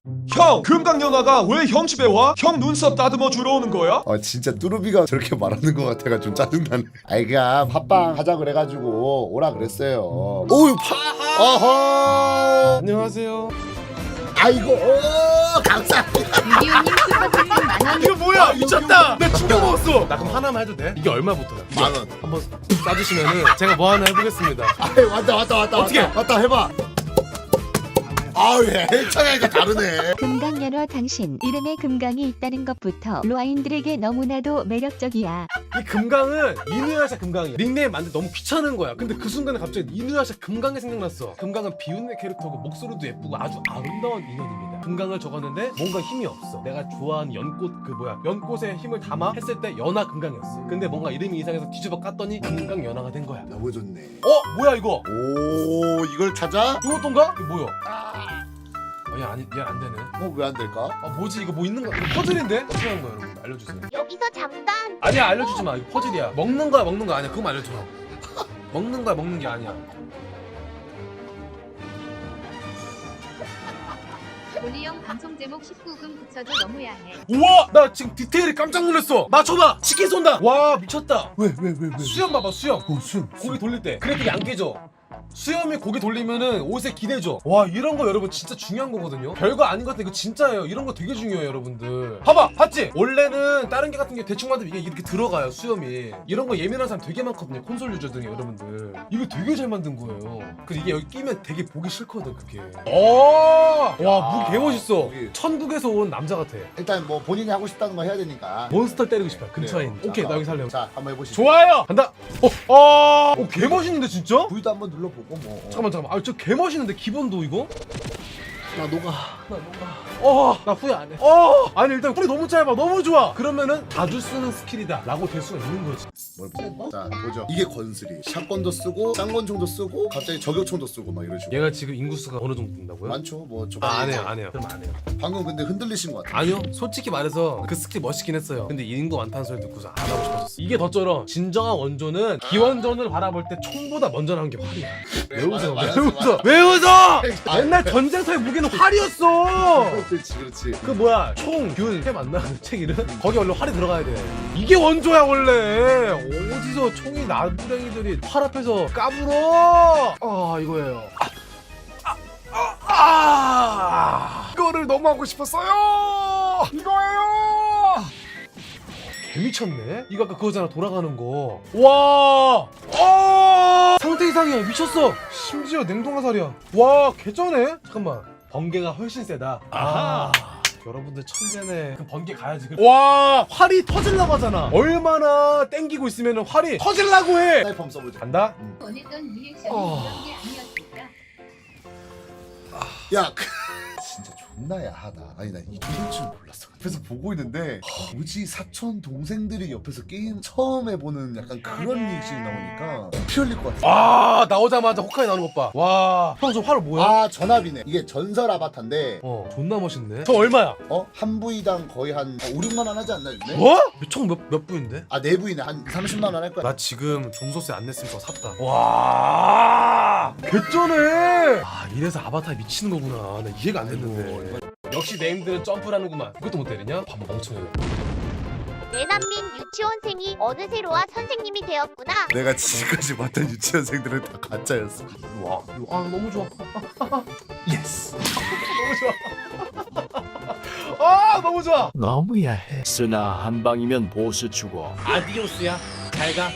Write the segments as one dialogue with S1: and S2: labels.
S1: 형, 금강연아가 왜 형 집에 와? 형 눈썹 다듬어 주러 오는 거야?
S2: 진짜 뚜루비가 저렇게 말하는 것 같아가 좀 짜증나네. 그냥 팟빵 하자 그래가지고 오라 그랬어요. 오유 어허.
S3: 안녕하세요.
S2: 아이고 감사합니다.
S4: 이디오님 슈퍼채팅 만원.
S3: 이거 뭐야? 미쳤다. 나 충격 먹었어. 나 그럼 하나만 해도 돼? 이게 얼마부터야?
S2: 10,000원.
S3: 한번 쏴주시면은 제가 뭐 하나 해보겠습니다.
S2: 왔다
S3: 어떻게?
S2: 왔다 해봐. 아우 예, 청양이가 다르네.
S4: 금강연화 당신 이름에 금강이 있다는 것부터 로아인들에게 너무나도 매력적이야.
S3: 이 금강은 이누야샤 금강이야. 닉네임 만들 너무 귀찮은 거야. 근데 그 순간에 갑자기 이누야샤 금강이 생각났어. 금강은 비운의 캐릭터고 목소리도 예쁘고 아주 아름다운 인연입니다. 금강을 적었는데 뭔가 힘이 없어. 내가 좋아하는 연꽃 연꽃에 힘을 담아 했을 때 연화 금강이었어. 근데 뭔가 이름이 이상해서 뒤집어 깠더니 금강 연화가 된 거야.
S2: 너무 좋네.
S3: 뭐야 이거?
S2: 오 이걸 찾아?
S3: 이거 어떤가? 이거 뭐야? 얘 안 되네.
S2: 왜 안 될까?
S3: 뭐지 이거 뭐 있는 거? 이거 퍼즐인데? 어떻게 하는 거야 여러분? 알려주세요.
S5: 여기서 잠깐.
S3: 아니야 알려주지 마. 이거 퍼즐이야. 먹는 거야 먹는 거 아니야. 그거만 알려줘. 먹는 거야 먹는 게 아니야.
S4: 올리형 방송 제목 19금 붙여줘 너무 야해.
S3: 우와! 나 지금 디테일이 깜짝 놀랐어. 맞춰봐. 치킨 쏜다. 와 미쳤다.
S2: 왜?
S3: 수염 봐봐 수염.
S2: 수염.
S3: 고기 돌릴 때 그래픽이 안 깨져. 수염이 고기 돌리면은 옷에 기대죠. 와 이런 거 여러분 진짜 중요한 거거든요. 별거 아닌 것 같아. 이거 진짜예요. 이런 거 되게 중요해요 여러분들. 봐봐 봤지? 원래는 다른 게 같은 게 대충 만들면 이게 이렇게 들어가요 수염이. 이런 거 예민한 사람 되게 많거든요. 콘솔 유저 등에 여러분들. 이거 되게 잘 만든 거예요. 그래서 이게 여기 끼면 되게 보기 싫거든 그게. 와 무기 개멋있어.
S2: 무기.
S3: 천국에서 온 남자 같아.
S2: 일단 뭐 본인이 하고 싶다는 거 해야 되니까.
S3: 몬스터 때리고 싶어요. 근처에 있는.
S2: 그래요.
S3: 오케이
S2: 자,
S3: 나 여기 살래.
S2: 자 한번 해보시죠.
S3: 좋아요. 간다. 개멋있는데 진짜?
S2: V도 한번 눌러보고 뭐.
S3: 잠깐만. 저 개멋있는데 기본도 이거?
S2: 나 녹아.
S3: 나 후회 안 해. 아니 일단 풀이 너무 짧아. 너무 좋아. 그러면은 자주 쓰는 스킬이다 라고 될 수가 있는 거지.
S2: 뭘 보자. 자 보죠. 이게 권슬이. 샷건도 쓰고 쌍권총도 쓰고 갑자기 저격총도 쓰고 막 이런 식으로.
S3: 얘가 지금 인구수가 어느 정도 된다고요?
S2: 많죠. 뭐 좀.
S3: 안 해요. 그럼 안 해요.
S2: 방금 근데 흔들리신 것 같아.
S3: 아니요. 솔직히 말해서 그 스킬 멋있긴 했어요. 근데 인구 많다는 소리 듣고서 안 하고 싶어졌어. 이게 더 쩔어. 진정한 원조는 기원전을 바라볼 때 총보다 먼저 나온 게 활이야. 왜 웃어?
S2: 맞아.
S3: 왜 웃어? 옛날 전쟁터의 무기는 활이었어.
S2: 그렇지.
S3: 그 뭐야 총균 해 맞나 그 책 이름? 거기 원래 활이 들어가야 돼. 이게 원조야 원래. 어디서 총이 나부랭이들이 활 앞에서 까불어? 이거예요. 이거를 너무 하고 싶었어요. 이거예요. 개미쳤네. 이거 아까 그거잖아 돌아가는 거. 와. 상태 이상이야. 미쳤어. 심지어 냉동화살이야. 와 개쩌네. 잠깐만. 번개가 훨씬 세다. 여러분들 천재네. 그 번개 가야지. 와 활이 터질라고 하잖아. 얼마나 땡기고 있으면 활이 터질라고 해.
S2: 사이펌 써보자.
S3: 간다.
S4: 원했던 리액션이 이런 게 아니었을까?
S2: 야 진짜 존나 야하다. 아니 나 이 정도인 줄 몰랐어. 옆에서 보고 있는데 뭐지 사촌 동생들이 옆에서 게임 처음 해보는 약간 그런 리액션이 나오니까 피 흘릴 것 같아.
S3: 나오자마자 호카이 나오는 것 봐. 와 형 저 활 뭐야?
S2: 전압이네. 이게 전설 아바타인데
S3: 존나 멋있네. 저 얼마야?
S2: 한 부위당 거의 한 5, 6만 원 하지 않나 요즘에?
S3: 뭐? 총 몇 부인데?
S2: 네 부위네. 한 30만 원 할 거야.
S3: 나 지금 종소세 안 냈으면 저 샀다. 와 개쩌네. 이래서 아바타 미치는 거구나. 나 이해가 안 됐는데. 역시 네임들은 점프라는구만. 그것도 못 때리냐? 바보 멍청해.
S5: 내난민 유치원생이 어느새 로아 선생님이 되었구나.
S2: 내가 지금까지 봤던 유치원생들은 다 가짜였어.
S3: 와, 너무 좋아. 예스. 너무 좋아. 너무 좋아.
S6: 너무 야해. 쓰나 한 방이면 보스 죽어.
S3: 아디오스야. 잘 가.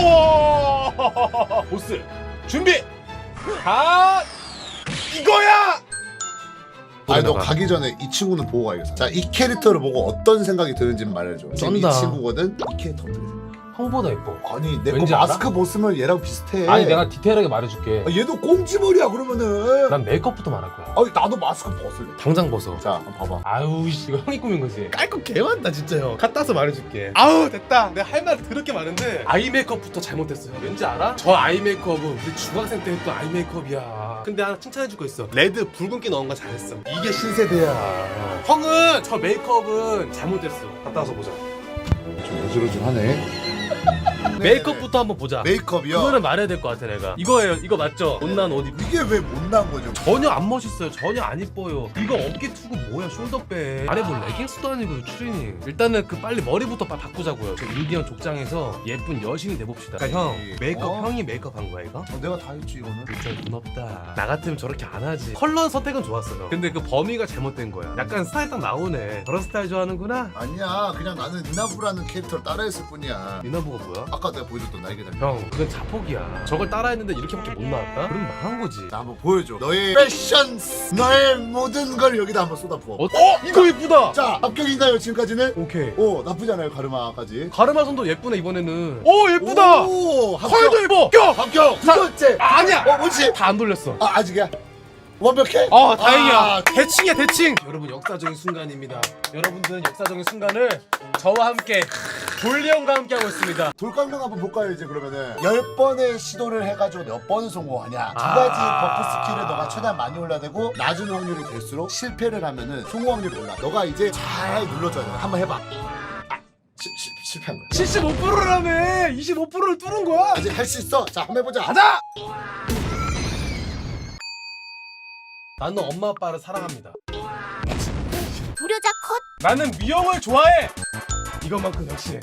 S3: 보스 준비. 가. 이거야.
S2: 아니 너 가기 전에 이 친구는 보고 가야겠어. 자 이 캐릭터를 보고 어떤 생각이 드는지 말해줘. 지금 이
S3: 쩐다.
S2: 친구거든. 이 캐릭터 어떻게 생각해?
S3: 형보다 예뻐.
S2: 아니 내 거
S3: 왠지 알아?
S2: 마스크 벗으면 얘랑 비슷해.
S3: 아니 내가 디테일하게 말해줄게.
S2: 얘도 꽁지머리야 그러면은.
S3: 난 메이크업부터 말할 거야.
S2: 아니 나도 마스크 벗을래.
S3: 당장 벗어.
S2: 자 한번 봐봐.
S3: 아유 씨, 이거 형이 꾸민 거지. 깔 거 개많다 진짜 형. 갖다 서 말해줄게. 아우 됐다. 내가 할 말 더럽게 많은데 아이 메이크업부터 잘못했어요. 왠지 알아? 저 아이 메이크업은 우리 중학생 때 했던 아이 메이크업이야. 근데 하나 칭찬해줄 거 있어. 레드 붉은기 넣은 거 잘했어. 이게 신세대야. 형은 저 메이크업은 잘못됐어. 갖다 와서 보자.
S2: 좀 어지러지하네.
S3: 메이크업부터 한번 보자.
S2: 메이크업이요?
S3: 그거는 말해야 될 것 같아 내가. 이거예요. 이거 맞죠? 못난 옷 입.
S2: 이게 왜 못난 거죠?
S3: 전혀 안 멋있어요. 전혀 안 이뻐요. 이거 어깨 투구 뭐야? 숄더백. 안에 뭐 레깅스도 아니고 추리닝. 일단은 그 빨리 머리부터 바꾸자고요. 저 인디언 족장에서 예쁜 여신이 돼봅시다. 그러니까 형 메이크업 형이 메이크업 한 거야 이거?
S2: 내가 다 했지 이거는.
S3: 진짜 돈 없다. 나 같으면 저렇게 안 하지. 컬러 선택은 좋았어요. 근데 그 범위가 잘못된 거야. 약간 스타일 딱 나오네. 저런 스타일 좋아하는구나.
S2: 아니야, 그냥 나는 니나부라는 캐릭터를 따라했을 뿐이야.
S3: 미나부가 뭐야?
S2: 아까 내가 보여줬던 날개달.
S3: 형 그건 자폭이야. 저걸 따라했는데 이렇게밖에 못 나왔다? 그럼 망한 거지.
S2: 나 한번 보여줘. 너의 패션, 너의 모든 걸 여기다 한번 쏟아부어.
S3: 이거 예쁘다.
S2: 자, 합격인가요 지금까지는?
S3: 오케이.
S2: 오, 나쁘지 않아요 가르마까지.
S3: 가르마선도 예쁘네 이번에는. 오 예쁘다.
S2: 오,
S3: 컬도 예뻐. 껴.
S2: 합격. 두 번째.
S3: 아니야.
S2: 뭐지?
S3: 다 안 돌렸어.
S2: 아, 아직이야. 완벽해?
S3: 아 다행이야.
S2: 아,
S3: 대칭이야 대칭. 여러분 역사적인 순간입니다. 여러분들은 역사적인 순간을 저와 함께 돌리 형과 함께 하고 있습니다.
S2: 돌강릉 한번 볼까요 이제 그러면은 10번의 시도를 해가지고 몇 번을 성공하냐. 두
S3: 아.
S2: 가지 버프 스킬을 너가 최대한 많이 올려야 되고 낮은 확률이 될수록 실패를 하면은 성공 확률이 올라. 너가 이제 잘 눌러줘야 돼. 한번 해봐. 아, 실패한 거야.
S3: 75%라며. 25%를 뚫은 거야.
S2: 아직 할 수 있어. 자, 한번 해보자.
S3: 가자. 나는 엄마 아빠를 사랑합니다.
S5: 불효자 컷.
S3: 나는 미영을 좋아해. 이것만큼 역시.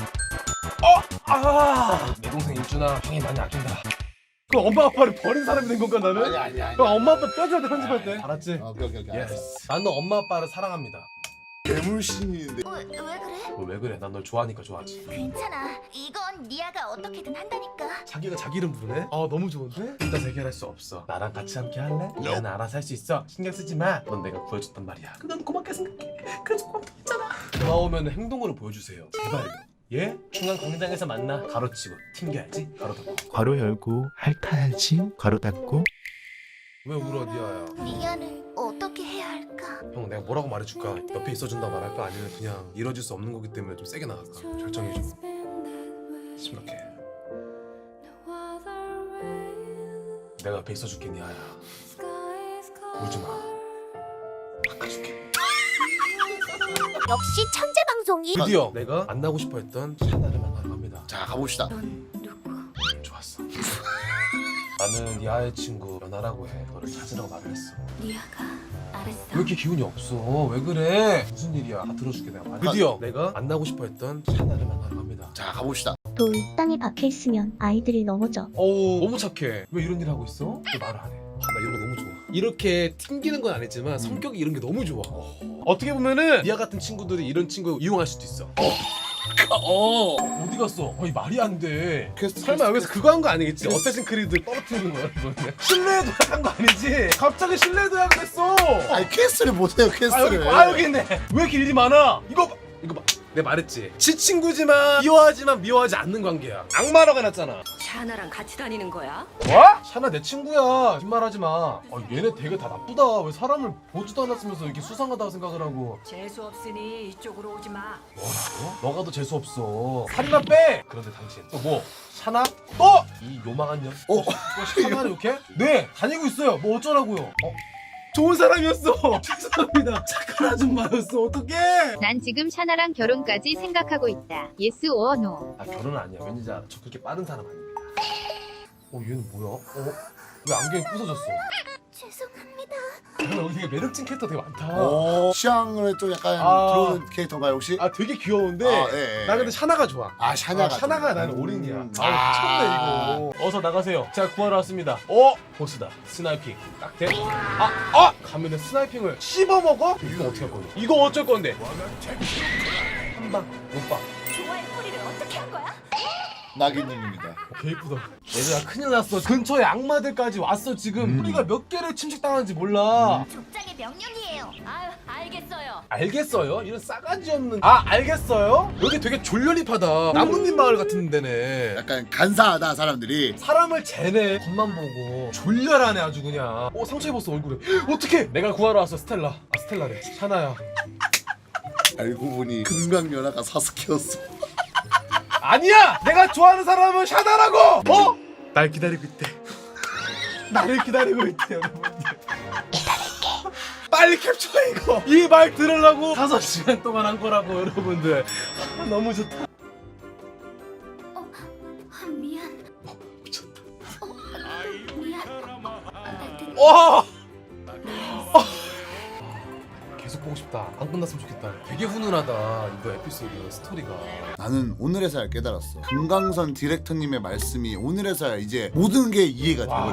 S3: 내 동생 일준아, 형이 많이 아낀다. 그럼 엄마 아빠를 버린 사람이 된 건가 나는?
S2: 아니.
S3: 그럼 엄마 아빠 뼈줘야 돼 편집할 때. 알았지?
S2: 오케이.
S3: 예스. 나는 엄마 아빠를 사랑합니다.
S2: 괴물신인데.
S5: 왜 그래?
S3: 왜 그래? 난 널 좋아하니까 좋아하지.
S5: 괜찮아. 이건 니아가 어떻게든 한다니까.
S3: 자기가 자기 이름 부르네? 너무 좋은데? 일단 해결할 수 없어. 나랑 같이 함께 할래? 나는 알아서 할 수 있어. 신경 쓰지 마. 넌 내가 구해줬단 말이야. 난 고맙게 생각해. 그래서 고맙다했잖아. 나오면 행동으로 보여주세요. 제발요. 예? 중앙 광장에서 만나. 가로치고 튕겨야지. 가로 닫고.
S7: 괄호 열고 핥아야지 괄호 닫고.
S3: 왜 울어 니아야?
S5: 니아를 어떻게 해야 할까?
S3: 형 내가 뭐라고 말해줄까? 옆에 있어준다 말할까? 아니면 그냥 이뤄질 수 없는 거기 때문에 좀 세게 나갈까? 결정해줘. 심각해. 내가 옆에 있어줄게 니아야. 울지마. 바꿔줄게.
S5: 역시 천재 방송이.
S3: 드디어 내가 만나고 싶어 했던 샤나를 만나러 갑니다.
S2: 자, 가봅시다.
S5: 넌 누구?
S3: 좋았어. 나는 니아의 친구 연아라고 해. 너를 찾으라고 말을 했어.
S5: 니아가 알았어.
S3: 왜 이렇게 기운이 없어? 왜 그래? 무슨 일이야? 다 들어줄게 내가. 드디어 내가 만나고 싶어 했던 샤나를 만나러 갑니다.
S2: 자, 가봅시다.
S8: 돌 땅에 박혀 있으면 아이들이 넘어져.
S3: 어우 너무 착해. 왜 이런 일 하고 있어? 왜 말을 안 해? 나 이런 거 너무 좋아. 이렇게 튕기는 건 아니지만 성격이 이런 게 너무 좋아. 어떻게 보면은 니아 같은 친구들이 이런 친구 이용할 수도 있어. 어디 갔어? 이 말이 안 돼. 설마 여기서 그거 한 거 아니겠지? 어쌔신 크리드 떨어뜨리는 거야 이거는. 신뢰 도약한 거 아니지? 갑자기 신뢰 도약을 했어.
S2: 아니, 퀘스트를 못해요, 퀘스트를.
S3: 여기 있네. 왜 이렇게 일이 많아? 이거 봐. 내가 말했지. 지 친구지만 미워하지만 미워하지 않는 관계야. 악마라고 해놨잖아.
S9: 샤나랑 같이 다니는 거야?
S3: 뭐? 샤나 내 친구야. 뒷말하지 마. 얘네 되게 다 나쁘다. 왜 사람을 보지도 않았으면서 이렇게 수상하다고 생각을 하고.
S9: 재수 없으니 이쪽으로 오지 마.
S3: 뭐라고? 너가 더 재수 없어. 살이나 빼. 그런데 당신 또 뭐? 샤나? 또? 이 요망한 년. 또 샤나를 이렇게? 네 다니고 있어요. 뭐 어쩌라고요? 좋은 사람이었어. 죄송합니다. 착한 아줌마였어. 어떡해?
S4: 난 지금 샤나랑 결혼까지 생각하고 있다. 예스 오어 노.
S3: 결혼은 아니야. 왠지 알아. 저 그렇게 빠른 사람 아닙니다. 얘는 뭐야? 왜 안경이 부서졌어?
S5: 죄송합니다.
S3: 여기 되게 매력진 캐릭터 되게 많다.
S2: 취향을 좀 약간
S3: 아.
S2: 들어오는 캐릭터인가요 혹시?
S3: 되게 귀여운데
S2: 예.
S3: 나 근데 샤나가 좋아.
S2: 샤냐가.
S3: 샤나가 나는 올인이야.
S2: 아.
S3: 미쳤네 이거. 어서 나가세요. 제가 구하러 왔습니다. 보스다. 스나이핑. 딱 돼? 가면은 스나이핑을 씹어 먹어? 이거 어떻게 할 건데? 이거 어쩔 건데? 한방 못방.
S5: 좋아할 뿌리를 어떻게 한 거야?
S2: 나기님입니다.
S3: 개 이쁘다. 얘들아 큰일 났어. 근처에 악마들까지 왔어 지금. 우리가 몇 개를 침식당하는지 몰라.
S5: 족장의 명령이에요.
S9: 아유, 알겠어요.
S3: 알겠어요? 이런 싸가지 없는. 알겠어요? 여기 되게 졸려립하다. 나뭇잎 마을 같은 데네.
S2: 약간 간사하다 사람들이.
S3: 사람을 재네. 겉만 보고 졸렬하네 아주 그냥. 상처 입었어 얼굴에. 어떡해. 내가 구하러 왔어. 스텔라. 스텔라래. 샤나야.
S2: 알고 보니 금강연아가 사스케였어.
S3: 아니야! 내가 좋아하는 사람은 샤나라고! 날 기다리고 있대. 나를 기다리고 있대 여러분들. 기다릴게. 빨리 캡처해 이거. 이 말 들으려고 5시간 동안 한 거라고 여러분들. 너무 좋다. 와. 계속 보고 싶다. 안 끝났으면 좋겠다. 되게 훈훈하다. 이거 에피소드 스토리가.
S2: 나는 오늘에서야 깨달았어. 금강선 디렉터님의 말씀이 오늘에서야 이제 모든 게 이해가 되고